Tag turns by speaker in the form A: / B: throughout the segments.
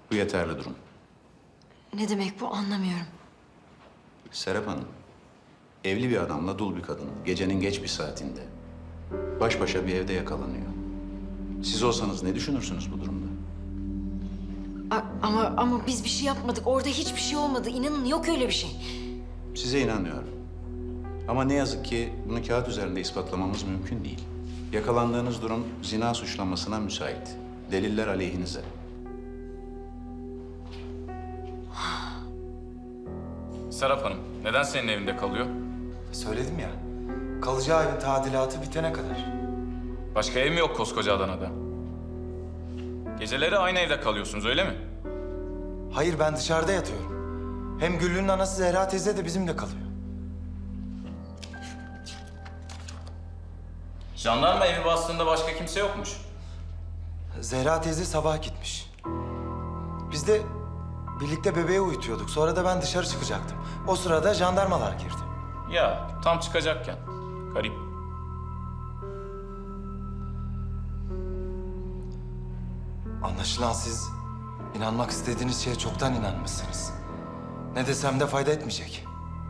A: Bu yeterli durum.
B: Ne demek bu, anlamıyorum.
A: Serap Hanım, evli bir adamla dul bir kadın gecenin geç bir saatinde baş başa bir evde yakalanıyor. Siz olsanız ne düşünürsünüz bu durumda?
B: Ama biz bir şey yapmadık. Orada hiçbir şey olmadı. İnanın yok öyle bir şey.
A: Size inanıyorum. Ama ne yazık ki bunu kağıt üzerinde ispatlamamız mümkün değil. Yakalandığınız durum zina suçlamasına müsait. Deliller aleyhinize.
C: Serap Hanım, neden senin evinde kalıyor?
D: Söyledim ya, kalacağı evin tadilatı bitene kadar.
C: Başka ev mi yok koskoca Adana'da? Geceleri aynı evde kalıyorsunuz, öyle mi?
D: Hayır, ben dışarıda yatıyorum. Hem Güllü'nün anası Zehra teyze de bizimle kalıyor.
C: Jandarma evi bastığında başka kimse yokmuş.
D: Zehra teyze sabah gitmiş. Biz de birlikte bebeği uyutuyorduk. Sonra da ben dışarı çıkacaktım. O sırada jandarmalar girdi.
C: Ya, tam çıkacakken. Garip.
D: Anlaşılan siz inanmak istediğiniz şeye çoktan inanmışsınız. Ne desem de fayda etmeyecek.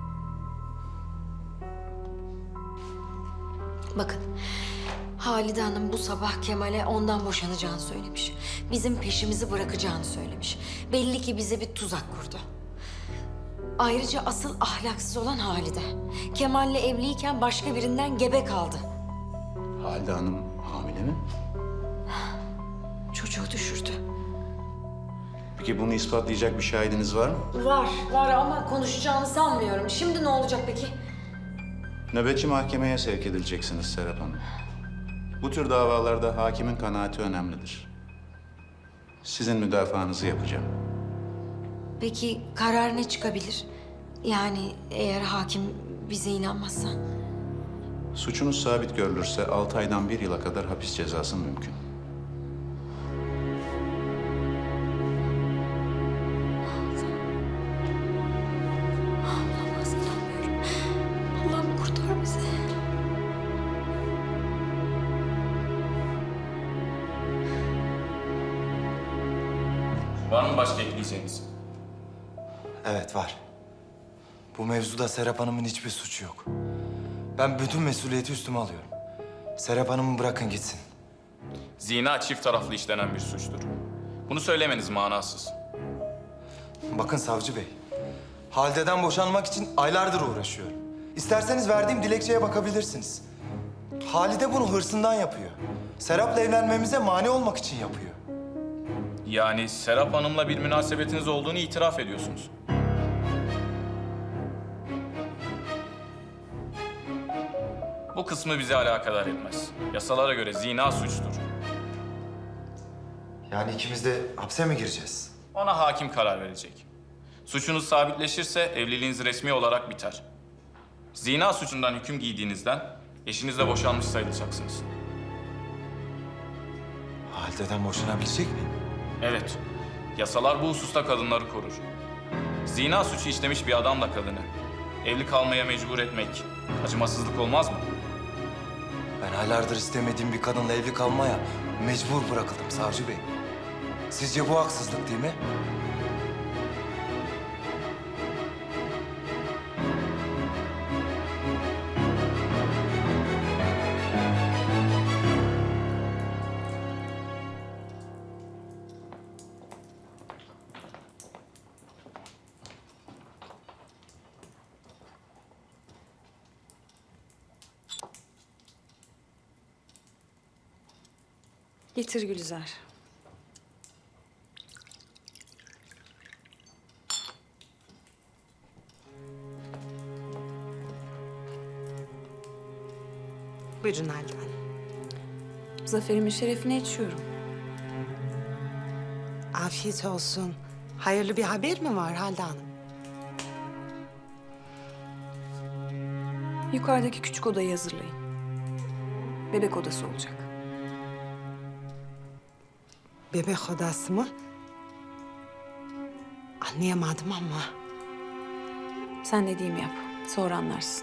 B: Bakın, Halide Hanım bu sabah Kemal'e ondan boşanacağını söylemiş. Bizim peşimizi bırakacağını söylemiş. Belli ki bize bir tuzak kurdu. Ayrıca asıl ahlaksız olan Halide. Kemal'le evliyken başka birinden gebe kaldı.
A: Halide Hanım hamile mi?
B: Çocuğu düşürdü.
A: Peki bunu ispatlayacak bir şahidiniz var mı?
B: Var ama konuşacağını sanmıyorum. Şimdi ne olacak peki?
A: Nöbetçi mahkemeye sevk edileceksiniz Serap Hanım. Bu tür davalarda hakimin kanaati önemlidir. Sizin müdafaanızı yapacağım.
B: Peki karar ne çıkabilir? Yani eğer hakim bize inanmazsa?
A: Suçunuz sabit görülürse 6 aydan 1 yıla kadar hapis cezası mümkün.
B: Olamaz, inanmıyorum. Allah'ım kurtar bizi.
C: Var mı başka ekleyeceğiniz?
D: Evet, var. Bu mevzuda Serap Hanım'ın hiçbir suçu yok. Ben bütün mesuliyeti üstüme alıyorum. Serap Hanım'ı bırakın gitsin.
C: Zina çift taraflı işlenen bir suçtur. Bunu söylemeniz manasız.
D: Bakın savcı bey, Halide'den boşanmak için aylardır uğraşıyorum. İsterseniz verdiğim dilekçeye bakabilirsiniz. Halide bunu hırsından yapıyor. Serap'la evlenmemize mani olmak için yapıyor.
C: Yani Serap Hanım'la bir münasebetiniz olduğunu itiraf ediyorsunuz. Bu kısmı bizi alakadar etmez. Yasalara göre zina suçtur.
D: Yani ikimiz de hapse mi gireceğiz?
C: Ona hakim karar verecek. Suçunuz sabitleşirse evliliğiniz resmi olarak biter. Zina suçundan hüküm giydiğinizden eşinizle boşanmış sayılacaksınız.
D: Halide'den boşanabilecek miyim?
C: Evet, yasalar bu hususta kadınları korur. Zina suçu işlemiş bir adamla kadını evli kalmaya mecbur etmek acımasızlık olmaz mı?
D: Ben aylardır istemediğim bir kadınla evli kalmaya mecbur bırakıldım savcı bey. Sizce bu haksızlık değil mi?
E: Getir Gülizar.
F: Buyurun Halide Hanım.
E: Zaferimin şerefine içiyorum.
F: Afiyet olsun. Hayırlı bir haber mi var Halide Hanım?
E: Yukarıdaki küçük odayı hazırlayın. Bebek odası olacak.
F: Bebek odası mı? Anlayamadım ama.
E: Sen dediğimi yap. Sonra anlarsın.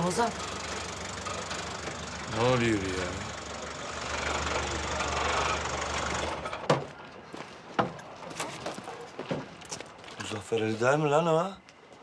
G: Ramazan.
H: Ne oluyor ya?
I: Muzaffer Ali değil mi lan o?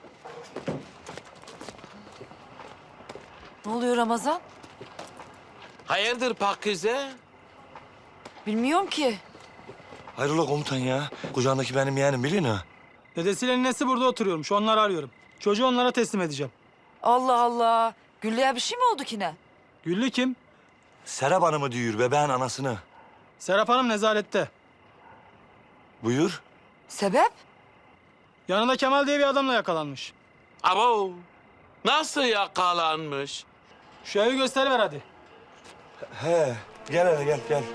G: Ne oluyor Ramazan?
H: Hayırdır Pakize?
G: Bilmiyorum ki.
I: Hayrola komutan ya? Kucağındaki benim yeğenim biliyor musun?
J: Dedesiyle ninesi burada oturuyormuş. Onları arıyorum. Çocuğu onlara teslim edeceğim.
G: Allah Allah. Güllü'ye bir şey mi oldu ki ne?
J: Güllü kim?
I: Serap Hanım'ı diyor bebeğin anasını.
J: Serap Hanım nezarette.
I: Buyur.
G: Sebep?
J: Yanında Kemal diye bir adamla yakalanmış.
H: Abo. Nasıl yakalanmış?
J: Şu evi gösteriver hadi.
I: He. Gel hele gel gel.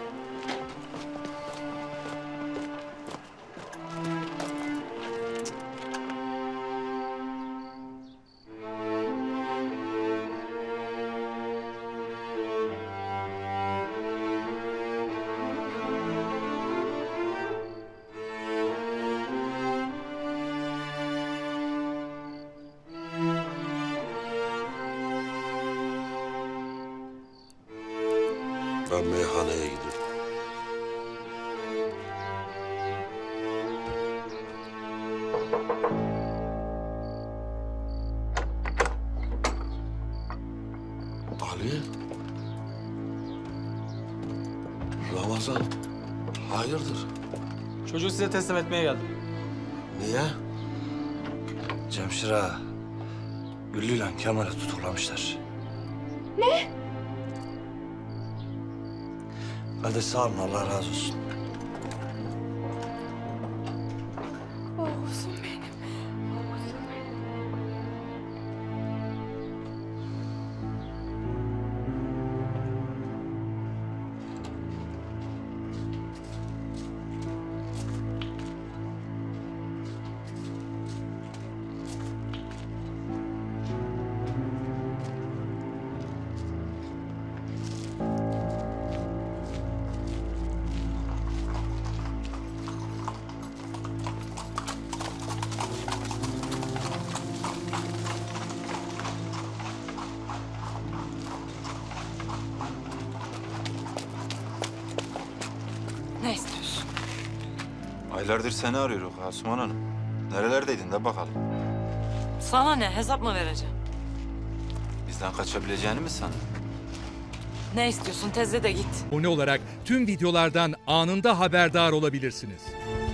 K: Ben meyhaneye gidiyorum. Ali? Ramazan, hayırdır?
J: Çocuğu size teslim etmeye geldim.
K: Niye?
I: Cemşir ağa. Güllü'yle Kemal'i tutuklamışlar. Hadi sağ olun, Allah razı olsun.
G: Ne istiyorsun?
L: Aylardır seni arıyoruz Asuman Hanım. Nerelerdeydin de bakalım.
G: Sana ne? Hesap mı vereceğim?
L: Bizden kaçabileceğini mi sandın?
G: Ne istiyorsun? Tezle de git.
M: Abone olarak tüm videolardan anında haberdar olabilirsiniz.